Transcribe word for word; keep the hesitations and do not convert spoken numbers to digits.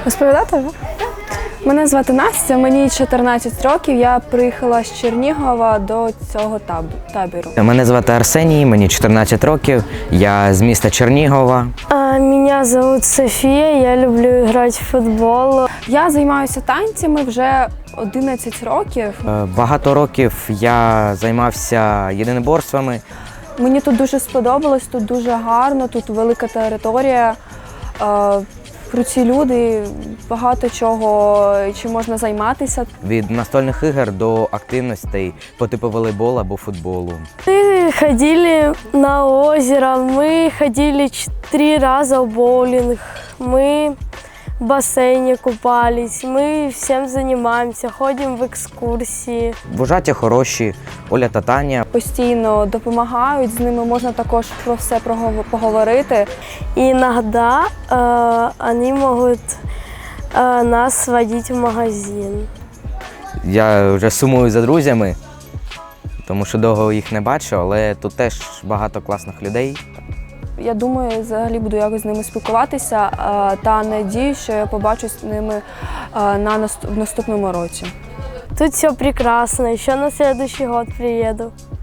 Розповідати? Мене звати Настя, мені чотирнадцять років, я приїхала з Чернігова до цього табору. Мене звати Арсеній, мені чотирнадцять років, я з міста Чернігова. Мене звуть Софія, я люблю грати в футбол. Я займаюся танцями вже одинадцять років. Багато років я займався єдиноборствами. Мені тут дуже сподобалось, тут дуже гарно, тут велика територія, круті люди, багато чого, чим можна займатися. Від настольних ігор до активностей по типу волейболу або футболу. Ми ходили на озеро, ми ходили три рази в боулінг, ми в басейні купались, ми всім займаємося, ходимо в екскурсії. Вожаті хороші, Оля та Таня. Постійно допомагають, з ними можна також про все поговорити. Іноді э, вони можуть э, нас водити в магазин. Я вже сумую за друзями, тому що довго їх не бачу, але тут теж багато класних людей. Я думаю, взагалі буду якось з ними спілкуватися та надію, що я побачусь з ними на наступному році. Тут все прекрасно, ще на наступний рік приїду.